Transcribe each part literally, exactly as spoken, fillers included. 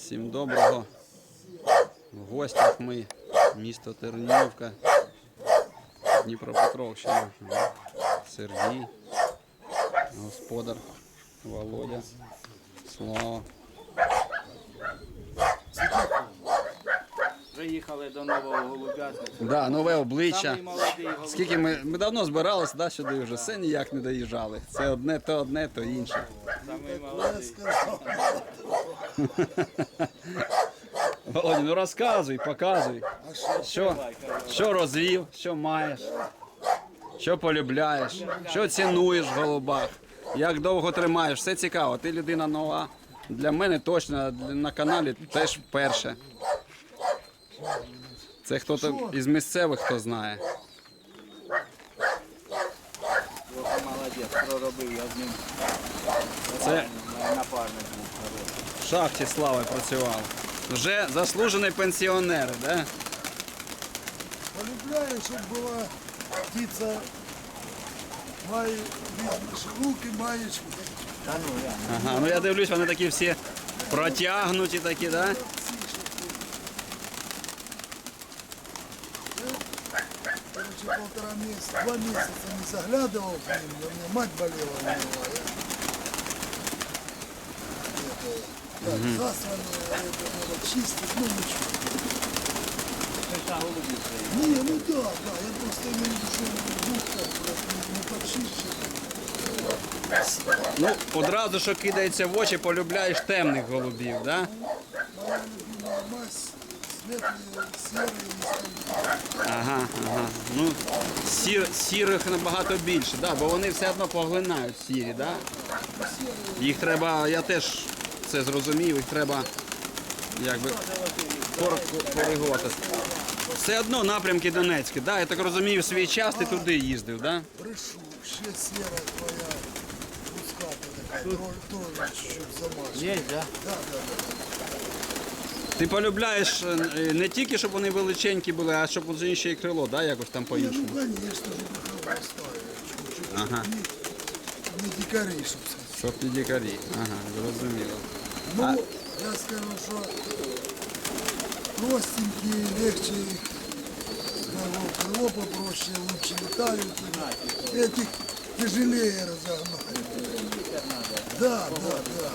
Всім доброго. В гостях ми, місто Тернівка, Дніпропетровщина. Сергій, господар, Володя, Слава. Приїхали до нового голубятника. Да, нове обличчя. Самий молодий голубятник. Скільки ми, ми давно збиралися, да, сюди вже, все ніяк не доїжджали. Це одне, то одне, то інше. Самий молодий. Володя, ну розказуй, показуй. Що, що розвів, що маєш, що полюбляєш, що цінуєш в голубах, як довго тримаєш, все цікаво. Ти людина нова. Для мене точно на каналі теж перше. Це хтось із місцевих, хто знає. Ось молодець, проробив я з ним. Це Напарник був хороший. в шахті Слави працював. Вже заслужений пенсіонер, да? Полюбляю, щоб була птиця, має візьмеш руки, маєш. Та ну я. Ага, ну я дивлюсь, вони такі всі протягнуті такі, да? Короче, полтора месяца, два месяца не заглядывал к ним, у меня мать болела у него. Я, это, так, засранные, это надо чистить, ну ничего. Ти та голубів своїх. Не, ну да, да, я просто имею в виду, что губка просто не подчищена. Ну, одразу, що кидається в очі, полюбляєш темних голубів, да? Моя любимая мазь, светлые, серые, Ага, ага. Ну, сір, сірих набагато більше, да? Бо вони все одно поглинають сірі, да? Їх треба, я теж це зрозумів, їх треба якби кор- коригувати. Все одно напрямки Донецькі, да? Я так розумію, в свій час ти туди їздив, да? брешу, ще серая твоя пуската такая, тоже, тоже чуть-чуть замажена. Є, да? Да, да, да. Ти полюбляєш е, не тільки, щоб вони величенькі були, а щоб вони ще й крило, да? Якось там Не, по-іншому. ну конечно же, как поставили. Чуть-чуть Ага. не, не дикари, щоб сказати. Щоб не дикарі. Ага, зрозуміло. Ну, я скажу, що простенькие, легче их, ну, крыло попроще, лучше летают. Этих тяжелее разогнать. Да, да, да.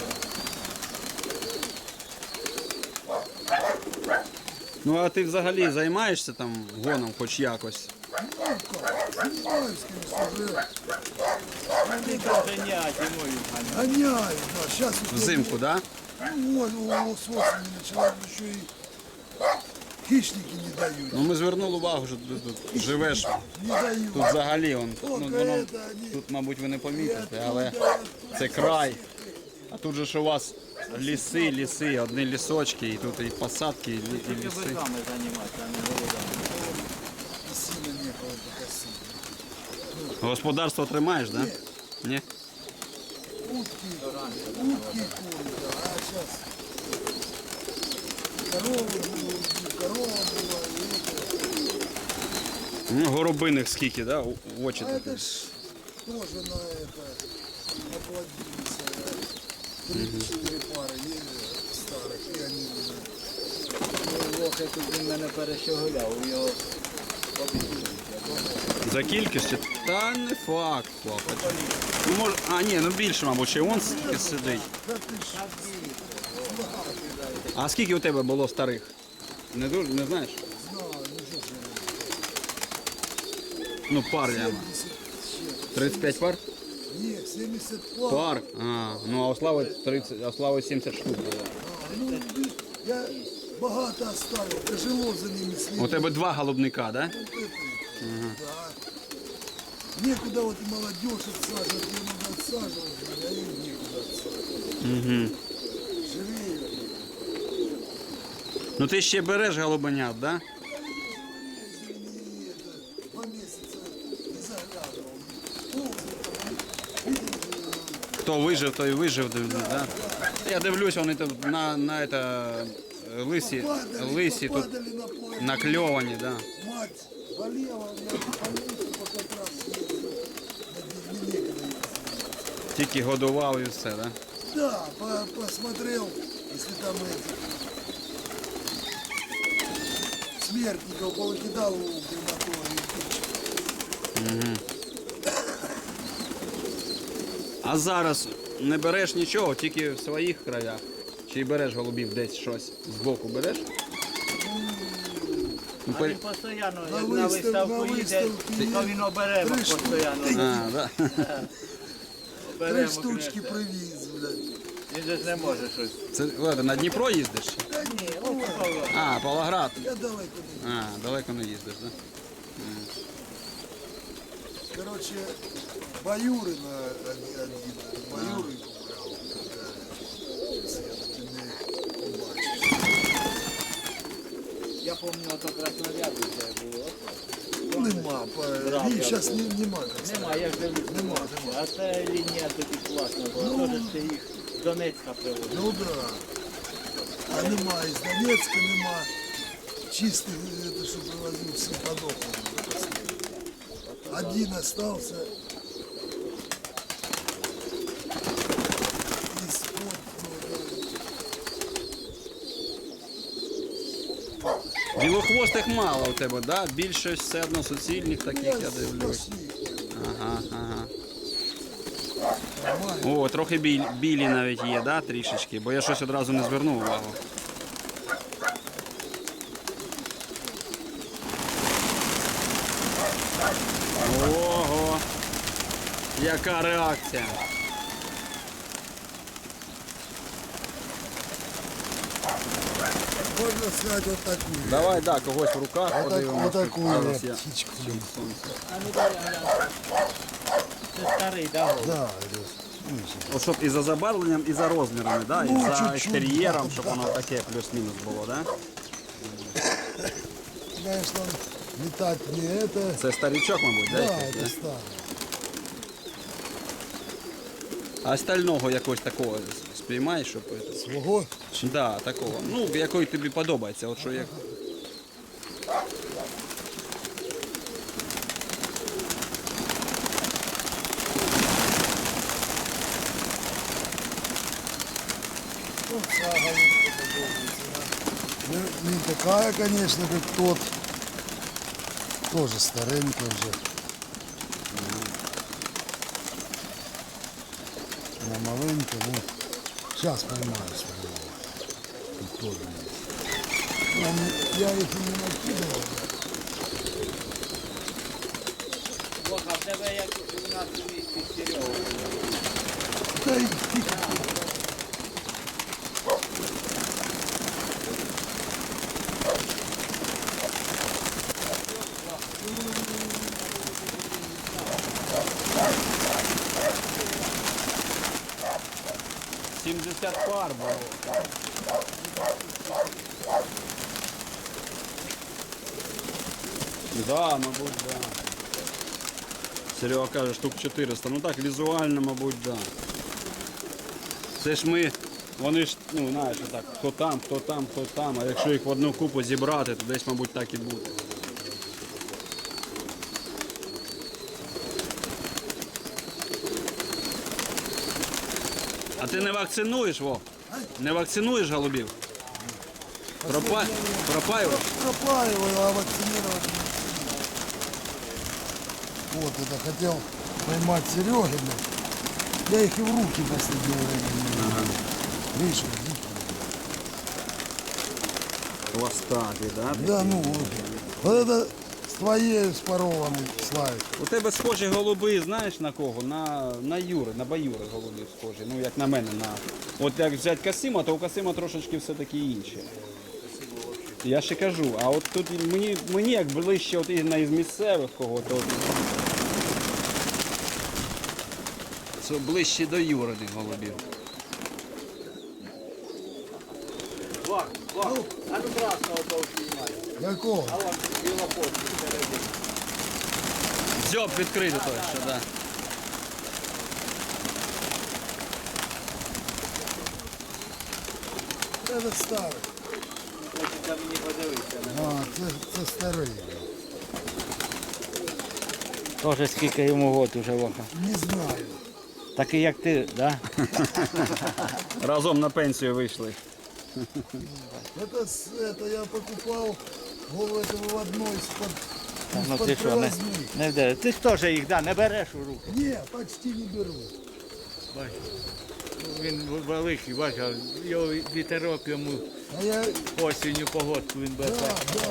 Ну а ти взагалі займаєшся там гоном хоч якось? Ну как, занимаюсь, конечно, уже Ти ганяти мою ганяти. гоняю, да, сейчас Взимку, да? Ну, вот, вот, с осени начала еще и хищники не дают. Ну ми звернули увагу, що ти тут живеш. Не дают. Тут взагалі, он, ну, Только воно, это они... тут, мабуть, ви не помітите, але оттуда, це край. А тут же ж у вас ліси, ліси, одні лісочки, і тут і посадки, і, лі- і Тільки ліси. биками займатися, а не голубами. И сильно некого покосить. Господарство тримаєш, да? Ні? Утки, утки и куры, да. А сейчас коровы было, корова была, и это. Ну, горобиних скільки, да? У- в очі А такі. это ж тоже на это, оплодились. Три-четыре пары есть старых, и они уже. Ну, лохи тут він мене перещеголяв, у його побігли. За кількістю? Та не факт, хлопець. Ну, може, а ні, ну більше, мабуть, ще он скільки сидить. Да ты ж, А скільки у тебе було старих? Не дуже, не знаєш? знаю, ну что ж я. Ну, пар я. семьдесят щет. тридцять п'ять пар? Нет, семьдесят пар. Пар. А, ну а у Слави тридцять, а у Слави сімдесят штук було. А, ну, я багато оставил, тяжело за ними следить. У тебе два голубника, да? Вот это, да. Некуда вот и молодежь отсаживать, ее надо отсаживать, а им некуда отсаживать. Угу. Живее. Ну ти ще береш голубенят, да? Если не это, два месяца не заглядывал. Ползали там, видели, Хто вижив, той вижив, да? Я дивлюсь, вони тут на, на это, лисі, падали, лисі тут попадали на поле. накльовані, да. Мать болела, я по лесу по как раз ездил. Не некогда ехать. Тільки годував і все, да? Да, по- посмотрел, Если там этих смертников повыкидал у крематория. А зараз не береш нічого, тільки в своїх краях. Чи береш голубів десь щось збоку береш? Ну, А пер- він постійно, На як на вистав- виставку на їде, виставки то є. він обереме Три постійно. А, да. Три Обереме, штучки конечно. привіз, блядь. Він же ж не може щось. Це Леда, на Дніпро їздиш? Та ні, Ні, ну, ось Павло. А, Павлоград. я далеко не. А, далеко не їздиш, так? Короче, Баюрина один, один Баюрин купляв. Щас я таки не побачив. Я пам'ятаю, то краснорябі це було. Ну, нема, Брав їх я зараз тут. нема. Нема, я ж дивлюсь. Нема, нема. А це лінія тоді класна була. Ну. Теж ти їх з Донецька привозив. Ну да. А нема, із Донецька нема. Чистих, это, що привозив, всі подохли. Один остался. Из-под, Білохвостих мало у тебе, да? Більше все одно суцільних таких, я дивлюсь. Ага, ага. О, трохи біль, білі навіть є, да, трішечки, бо я щось одразу не звернув увагу. Ого! Яка реакція! Можно сказать вот такую. Давай, да, когось в руках Вот, так, подивимося. вот такую Зараз я я- птичку. А ну дай глянь. Це старий, да, голуб? Да, это, От щоб і за забарвленням, і за розмірами, да? і Ну, за чуть-чуть, екстер'єром, да, щоб да. воно таке плюс-мінус було, да? конечно, летать не это. Це старичок, мабуть, да? Да, якийсь, это да? старый. А стального якогось такого спіймаєш, щоб... це- Свого? Да, такого. Ну, який тобі подобається. От що як... Ну, вся голубка подобается, да. Не, не такая, конечно, как тот. Тоже старенькая уже. На маленькая, ну, сейчас поймаю своего. Тут тоже есть. Я, не- я их и не накидывал. Бога, в тебе як у нас у місті Серега. Да и тихо. сімдесят пар було. Да, мабуть, да. Серега каже, штук чотириста. Ну так, візуально, мабуть, да. Це ж ми, вони ж, ну, знаєш, так, хто там, хто там, хто там, а якщо їх в одну купу зібрати, то десь, мабуть, так і буде. А ти не вакцинуєш, Вов? Не вакцинуєш голубів? Пропа... Пропаюєш? Пропаиваю, а вакцинировать не успеваю. Вот это хотел поймать Серегина. Я их и в руки в последнее время не беру. Видишь, вот дикие. Хвостатий, да? Да, ну вот. Вот это с твоей, с паровым, Славик. У тебе схожі голуби, знаєш на кого? На, на Юри, на Баюри голуби схожі. Ну, як на мене. На... От як взяти Касима, то у Касима трошечки все-таки інше. Я ще кажу, а от тут мені, мені як ближче от із, із місцевих кого, то от... Це ближче до Юриних голубів. Вах, вах. А ну красного того знімай. Какого? А вон білохвостий всередині. Дзьоб відкрити той, що, да. Это старый. Хочеться мені подивитися. А, це, це старий. Тоже скільки йому год уже, Ваха. Не знаю. Такий як ти, да? Разом на пенсію вийшли. Это, с- это я покупал голову этого в одной из-под Ну из-под ти що, не, привозных. не вдер- Ти ж теж їх да, не береш у руки. Не, почти не беру. Бач. Він великий, бач, а його вітерок йому А я, осінню погодку він да, бере. да.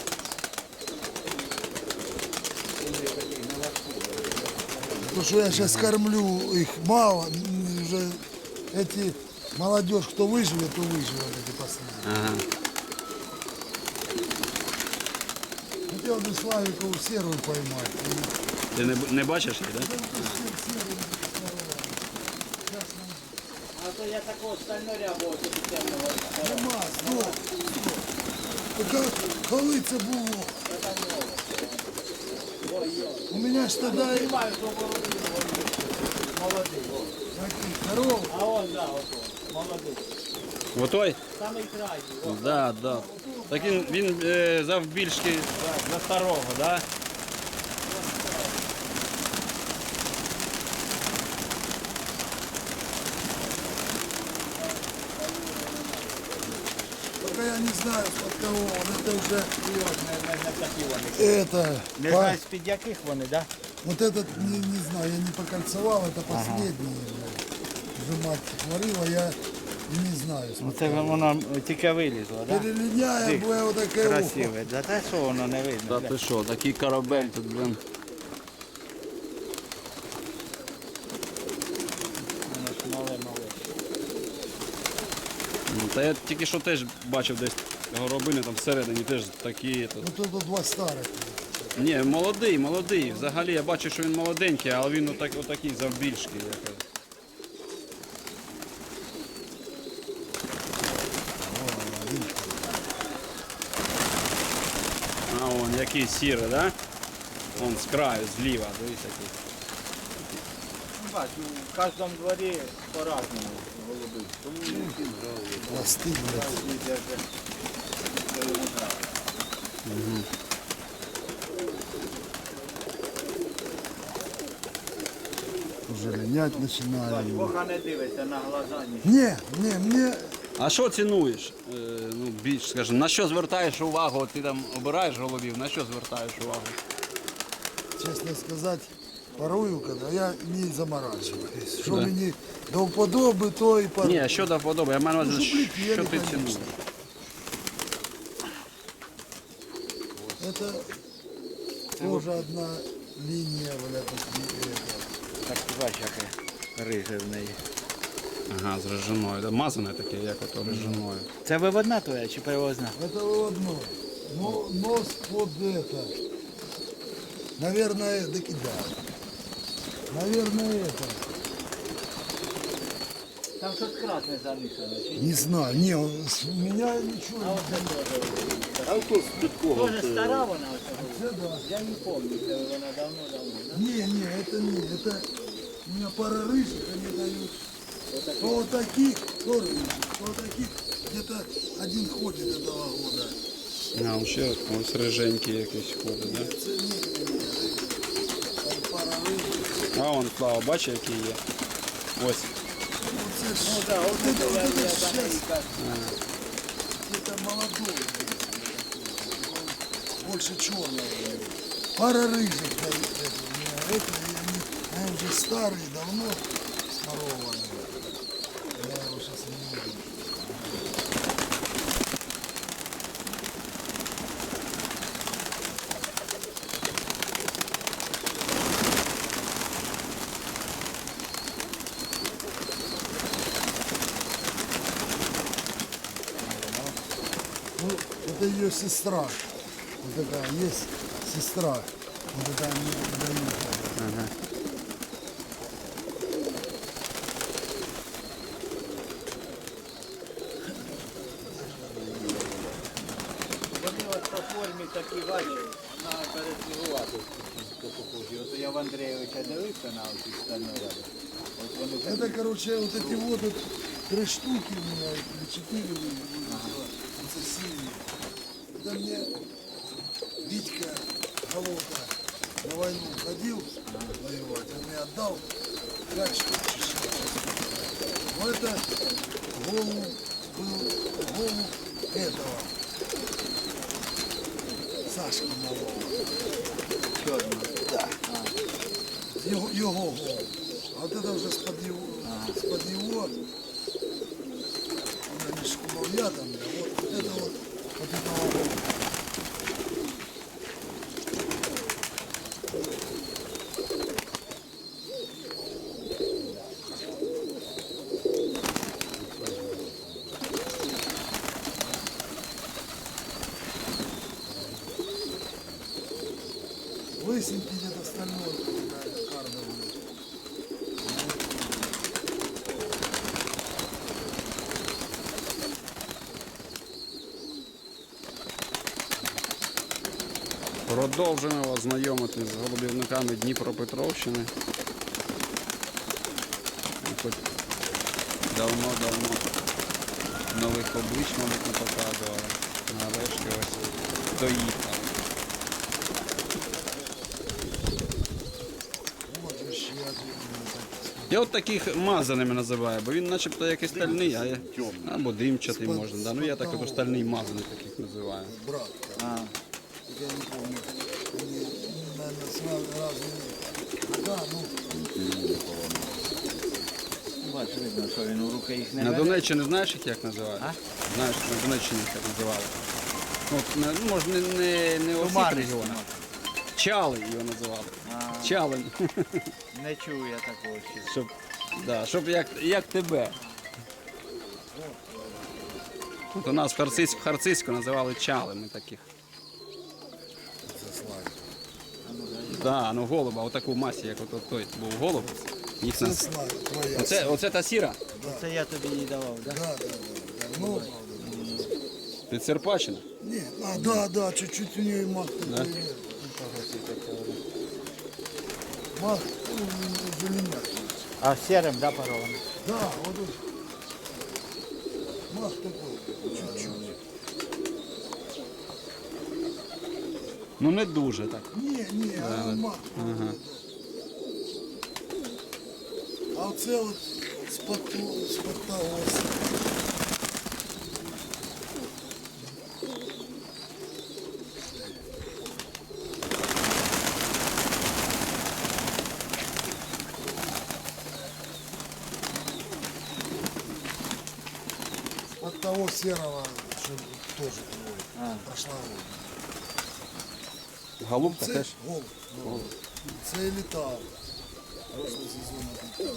Потому что я сейчас кормлю их мало, м, уже эти молодежь, кто выживет, то выживет эти последние. Ага. Хотел бы Славикову серую поймать. И Ти не, б- не бачиш її, так? Да? А то я такого стальноря був тобі темного. Нема, стоп, стоп. Така, коли це було? У мене ж тоді Знімаю, що молодий. такий здоровий. А он, да, ото, молодий. Отой? Самий крайній. о. Да, да. Так він, він е, завбільшки за, за старого, да? Только я не знаю, под кого он. Это уже, Не, не такі вони. это, Не по- знаю, з-під яких вони, так? вот этот, не, не знаю, я не покольцевал, это последний. Уже мать творила, я не знаю. Ну це воно тільки вилізло, так? Перелиняя, Дик, бо вот такое ухо. Красиве. Да та що воно не видно? Та бля? ти що, такий корабель тут, блин. Воно ж мале-мале. Ну, та я тільки що теж бачив десь горобини там всередині теж такі. Тут. Ну тут два старых. Ні, молодий, молодий. Взагалі я бачу, що він молоденький, але він отак, отакий завбільшки. якось. А вон який сірий, да? Вон з краю, зліва, дивись який. Ну, бач, у кожному дворі по-разному голуби. Тому не всім голуби. Пласты, блядь. Кожен йде вже, що йому нравиться. Уже линять Бач, начинаю. Бога не дивиться на глаза ні. Не, не, мне А що цінуєш? Е, ну, більш, скажімо, на що звертаєш увагу? От ти там обираєш голубів, на що звертаєш увагу? честно сказать, порою, когда я не заморачиваюсь. Что Да. мне до вподоби, то и порой. Ні, а що до вподоби? Я маю на Ну, увазі, щоб летіли, що ти конечно. цінуєш? Это тоже одна линия, бля, тут и это. Так ти бачиш, яке риже в неї. Ага, з режиною. Да? Мазане таке, як ото режиною. Це виводна твоя чи привозна? Это выводной. Но нос под это. Наверное, таки да. Наверное, это. Там щось красне замішане. чи ні? Не знаю. Не, он- с- у меня ничего А не оце теж. Тоже стара вона оця голуба? Это да. Я не пам'ятаю, це вона давно-давно. да? Не, не, это не. Это у меня пара рыжих, они дают. То вот таких, то рыжих, то вот таких. Где-то один ходит этого года. А, ще ось риженький якийсь ходить, да? Это не, не, не. Там пара рыжих. А вон, Слава, бачиш, який є? Ось. Вот это ж- Ну так, вот от это, це вот я, это я ж за щас неї кажу. где-то молодой. Он больше черного. Пара рыжих дают это. У меня это, и они, они уже старые, давно сморованные. Я его сейчас не вижу. Ну, это ее сестра. Вот такая есть сестра. Вот такая мне дают. Вони от по формі такі бачать, на переслігувати похожі. От я в Андрійовича дивився на оці стальноряди. От вони такі. Это, короче, вот эти вот, вот три штуки у меня, или четыре вылетело. Это синие. Это мне Витька Голота на войну ходил воевать, он мне отдал пять штук. Но это голубь был голубь этого Сашки малого. Чорно. Да. Його, його голубь. А вот это вже з-под його, з-под його. Вона між кумов'ятами, а вот это вот от этого голубя. Лысенький где-то стальной какая-то кардовый. Продовжуємо вас знайомити з голубівниками Дніпропетровщини. І хоч давно-давно нових облич, мабуть, не показували. Нарешті ось доїхали. Вот еще я Я от таких мазаними називаю, бо він начебто як і стальний, а я... або димчатий можна. Да? Ну я так от стальний мазаний таких називаю. брат. А, Я не помню. Они, наверное, сразу разные. Да, ну, бач, видно, що він у руки їх не На бере. Донеччині знаєш їх як називають? А? Знаєш, на Донеччині їх як називали. Ну, от, не- ну, може не, не, не у всіх Туманний регіонах. смак. Чали його називали. А. Чалень. Не чую я такого ще. Щоб, да, щоб як, як тебе. Тут у нас в Харцизьку, Харцизьку називали чалими таких. це славі. Да, ну голуба, отаку масі, як от, от той був голуб. Їх Це нас... славі, твоя. Оце, оце та сіра? Це я тобі її давав, так? Да, да, да. Давно, правда. Під Серпачина? Нет, а, да, да, чуть-чуть у нее мах такой. Да? нет. Мах, ну, зеленят. А сірим, да, парований? Да, вот тут. Мах такой, чуть-чуть. Ну не дуже так. Не, не, а мах. Ага. А оце от з-под ту- з-под того ось. От того серого, что тоже твой, прошла Голубка Це теж? голуб. голуб. Це і літав. Прошлий сезон літав.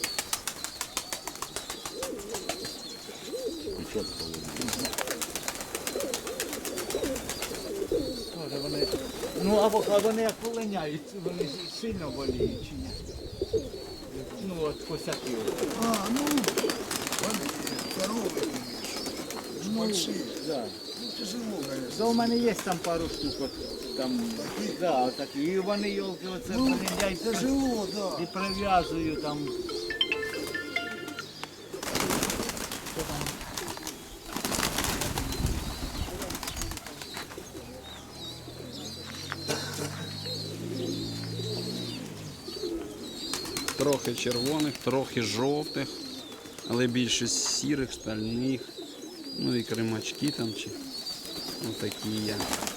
Тоже вони. Ну, або а вони як полиняють, вони сильно боліють чи ні? Ну, от косяки. А, ну, вони здорові, ну, большие. Да. Ну, тяжело, конечно. Да, у мене є там пару штук, от, там, да, такі. І вони йолки оце Ну, полиняють тяжело, да. і прив'язую там. Трохи червоних, трохи жовтих, але більше сірих, стальних. Ну і кримачки там чи отакі є.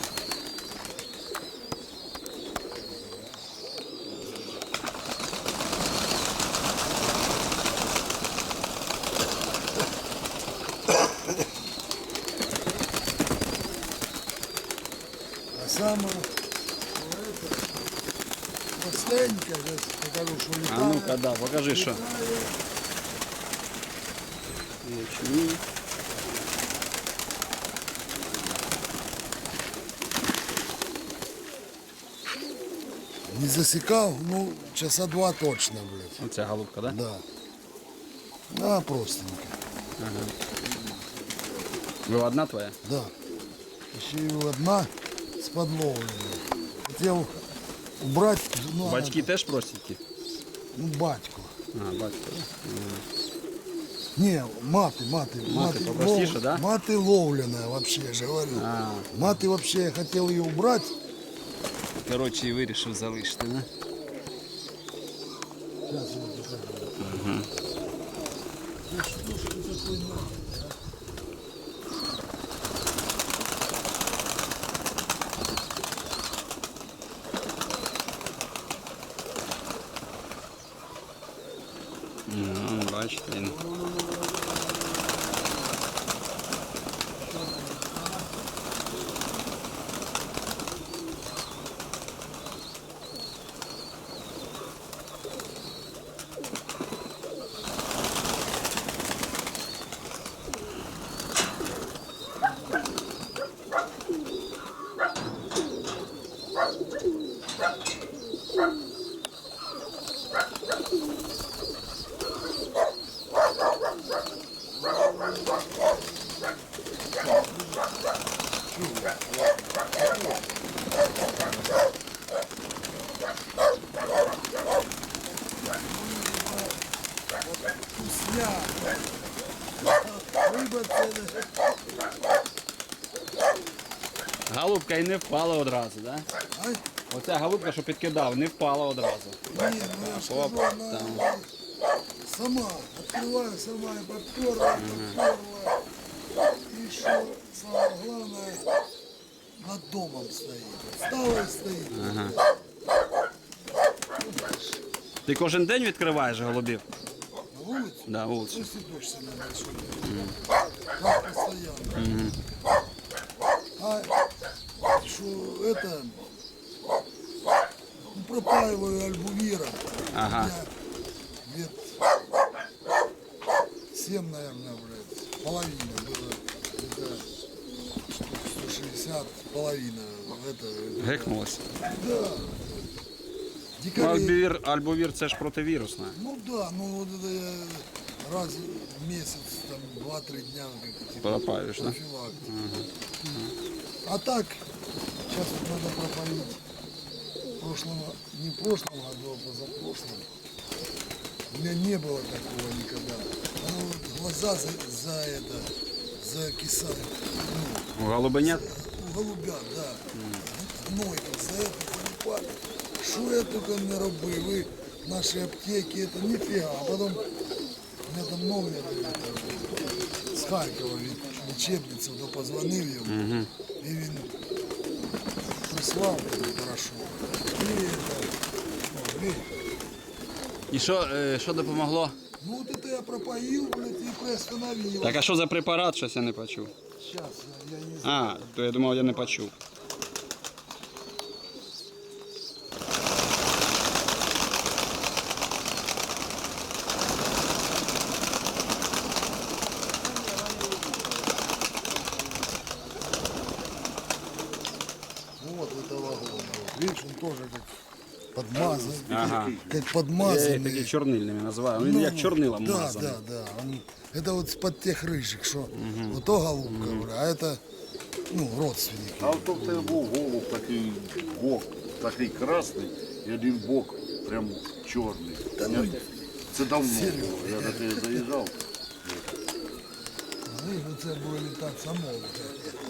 А самое, ну, это, последнее, сейчас покажу, что А летает. ну-ка, да, покажи, що. Ячмінь. Не засекал, ну, часа два точно, блядь. Оця голубка, да? Да. Да, простенько. Ви одна твоя? Да. Еще и одна с подловленной. Хотел убрать, ну, Батьки она- теж простенькі? ну, батьку. А, батько. Не, маты, маты. Маты попростише, лов- да? Маты ловленная вообще, я же говорю. А, Маты вообще, я хотел ее убрать. коротше, і вирішив залишити, да? Сейчас я покажу. Ну, что ж ты такой нахуй, а? Він. Вкусняк. Риба це не... Голубка і не впала одразу, да? Ай, Оця голубка, що підкидав, не впала одразу. ні, ну я ж кажу, Оп, вона там. сама. Відкриваю сама і подперла, подперла. І що саме головне, над домом стоїть. Стала і стоїть. Ага. Ти кожен день відкриваєш голубів? На вулиці? Да, вулицю. Пусть и дождь сильно большой. Как постоянно. А что это, ну, пропаиваю альбувира. Ага. Я лет семь, наверное, блядь, половина было. Это сто шестьдесят, половина. Это, Гекнулося. да. Ну, Дикарей. альбовір, альбовір це ж противірусне. Ну да, ну вот это я раз в месяц, там, два-три дня, как типа, Пропаиваешь, да? профилактика. А так, сейчас вот надо пропоить в прошлом, не в прошлом году, а позапрошлом. У меня не было такого никогда. Оно вот глаза за, за это, закисают. Ну, У голубенят? у голубят, да. Гной там за это залипали. Що я тільки не робив, ви наші аптеки, це ніфіга. А потім у мене там номер з Харкова від лічебниці, то позвонив йому, і він прислав мені порошок. І це, о, і, І що, е, що допомогло? ну от це я пропоїв, блядь, і приостановив. Так а що за препарат, щось я не почув. Зараз, я, я не знаю. А, то я думав, я не почув. Вот этого года. Видишь, он тоже как подмазан, Ага. как Я їх подмазанный. такі чорнильними називаю. Він як чорнилом да, мазаний. да, да. Он, это вот из-под тех рыжих, что вот то голубка, говорю, а это, ну, родственники. А от в тебе був голуб такий бок, такий красний, і один бок прям чорний. Та ну, Я- Це давно Серйозно? було, я до тебе заїжджав. ну, це буде літати само.